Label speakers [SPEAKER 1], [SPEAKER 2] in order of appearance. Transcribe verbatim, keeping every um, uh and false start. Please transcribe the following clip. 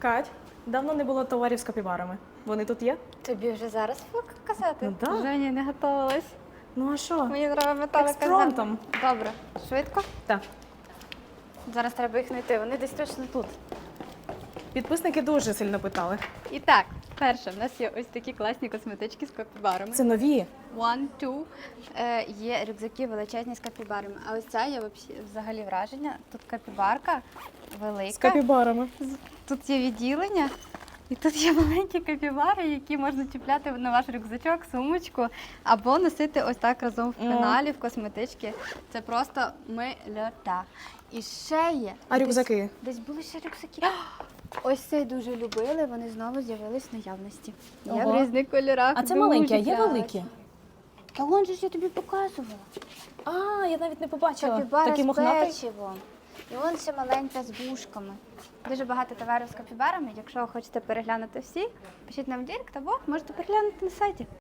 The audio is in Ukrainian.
[SPEAKER 1] Кать, давно не було товарів з капібарами. Вони тут є?
[SPEAKER 2] Тобі вже зараз показати?
[SPEAKER 1] Ну так.
[SPEAKER 2] Женя, не готувалась.
[SPEAKER 1] Ну а що?
[SPEAKER 2] Мені треба металика.
[SPEAKER 1] Експромтом.
[SPEAKER 2] Добре, швидко.
[SPEAKER 1] Так.
[SPEAKER 2] Зараз треба їх знайти, вони десь точно тут.
[SPEAKER 1] Підписники дуже сильно питали.
[SPEAKER 2] І так, перше, в нас є ось такі класні косметички з капібарами.
[SPEAKER 1] Це нові.
[SPEAKER 2] One, two. Е, є рюкзаки величезні з капібарами. А ось ця є вообще- взагалі враження. Тут капібарка велика.
[SPEAKER 1] З капібарами.
[SPEAKER 2] Тут є відділення. І тут є маленькі капібари, які можна чіпляти на ваш рюкзачок, сумочку, або носити ось так разом в пеналі, в косметички. Це просто мильота. І ще є.
[SPEAKER 1] А
[SPEAKER 2] десь-
[SPEAKER 1] рюкзаки?
[SPEAKER 2] Десь були ще рюкзаки. Ось цей дуже любили, вони знову з'явились в наявності. Є
[SPEAKER 1] Ого.
[SPEAKER 2] в різних кольорах.
[SPEAKER 1] А це
[SPEAKER 2] дуже
[SPEAKER 1] маленькі, а є
[SPEAKER 2] класні.
[SPEAKER 1] великі?
[SPEAKER 2] Та вон же ж я тобі показувала.
[SPEAKER 1] А, я навіть не побачила.
[SPEAKER 2] Капібара
[SPEAKER 1] Такий
[SPEAKER 2] з
[SPEAKER 1] мохнатий.
[SPEAKER 2] печивом. І вон ще маленька з вушками. Дуже багато товарів з капібарами. Якщо ви хочете переглянути всі, пишіть нам в директ або можете переглянути на сайті.